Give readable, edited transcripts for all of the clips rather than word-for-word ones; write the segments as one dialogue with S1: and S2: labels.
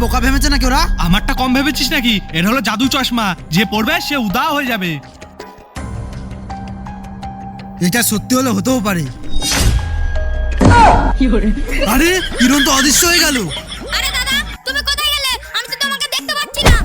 S1: বোকা ভেবেছে নাকি ওরা?
S2: আমারটা কম ভেবেছিস নাকি? এর হলো জাদু চশমা, যে পড়বে সে উদাও হয়ে যাবে।
S1: এটা সত্যি হলে হতেও পারে। আরে কিরণ তো অদৃশ্য হয়ে গেল।
S3: আরে দাদা, তুমি কোথায় গেলে? আমি তো তোমাকে দেখতে পাচ্ছি না।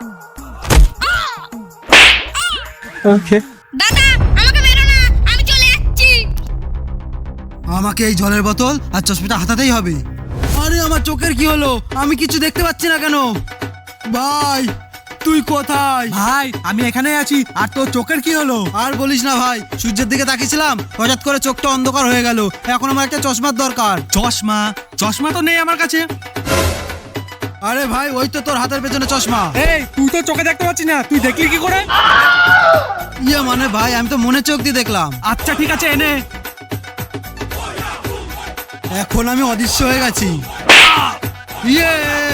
S3: দাদা, আমাকে মেরো না, আমি চলে যাচ্ছি।
S1: আমাকে এই জলের বোতল আর চশমাটা হাতাতেই হবে। আরে আমার চোখের কি হলো? আমি কিছু দেখতে পাচ্ছি না কেন? ভাই তুই কোথায়?
S2: ভাই আমি এখানেই আছি। আর তোর চোখের কি হলো?
S1: আর বলিস না ভাই, সূর্যের দিকে তাকিয়েছিলাম, হঠাৎ করে চোখটা অন্ধকার হয়ে গেল। এখন আমার একটা চশমার দরকার।
S2: চশমা? চশমা তো নেই আমার কাছে।
S1: আরে ভাই ওই তো তোর হাতের পেছনে চশমা।
S2: এই তুই তো চোখে দেখতে পাচ্ছিস না, তুই দেখলি কি করে?
S1: ইয়ে মানে ভাই আমি তো মনে চোখ দিয়ে দেখলাম।
S2: আচ্ছা ঠিক আছে, এনে।
S1: এখন আমি অদৃশ্য হয়ে গেছি। ইয়ে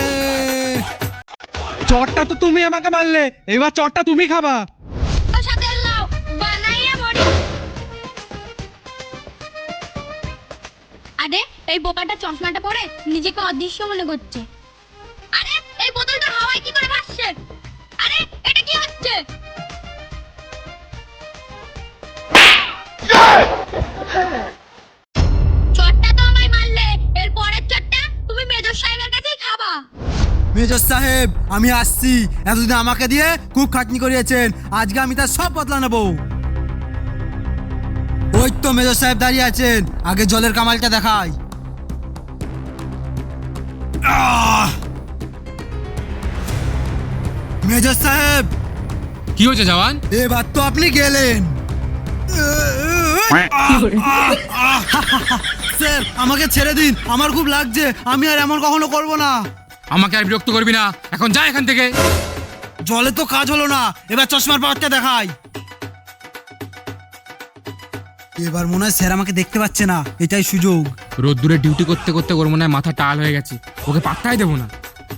S2: চটটা তো তুমি আমাকে মারলে, এবার চটটা তুমি খাবা।
S3: ওর সাথে লাও বানাইয়া মরি। আরে এই বোকাটা চশমাটা পরে নিজেকে অদৃশ্য মনে করছে। আরে এই বোতলটা হাওয়ায় কি করে ভাসছে? আরে এটা কি হচ্ছে? চটটা তো আমায় মারলে, এর পরের চটটা তুমি মেজর সাহেবের কাছেই খাবা।
S1: মেজর সাহেব আমি আসছি। এতদিন আমাকে দিয়ে খুব খাটনি করিয়েছেন, আজকে আমি তার সব বদলা নেব। ওই তো মেজর সাহেব দাঁড়িয়ে আছেন, আগে জলের কামালটা দেখাই। মেজর সাহেব
S4: কি হয়েছে জওয়ান?
S1: এবার তো আপনি গেলেন। স্যার আমাকে ছেড়ে দিন, আমার খুব লাগছে, আমি আর এমন কখনো করব না।
S4: আমাকে আর বিরক্ত করবি না, এখন যা এখান থেকে।
S1: জলে তো কাজ হলো না, এবার চশমার পাওয়ারটা দেখাই। এবার মনে হয় স্যার আমাকে দেখতে পাচ্ছে না, এটাই সুযোগ।
S4: রোদ্দুরে ডিউটি করতে করতে ওর মনে হয় মাথা টাল হয়ে গেছে, ওকে পাত্তাই দেবো না।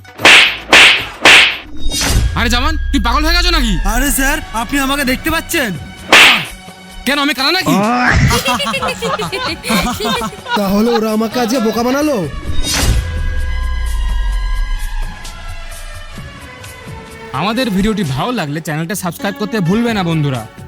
S4: আরে জওয়ান, তুই পাগল হয়ে গেছো নাকি?
S1: আরে স্যার আপনি আমাকে দেখতে পাচ্ছেন?
S4: কেন আমি কানা নাকি?
S1: তাহলে ওরা আমাকে আজকে বোকা বানালো।
S4: আমাদের ভিডিওটি ভালো লাগলে চ্যানেলটা সাবস্ক্রাইব করতে ভুলবে না বন্ধুরা।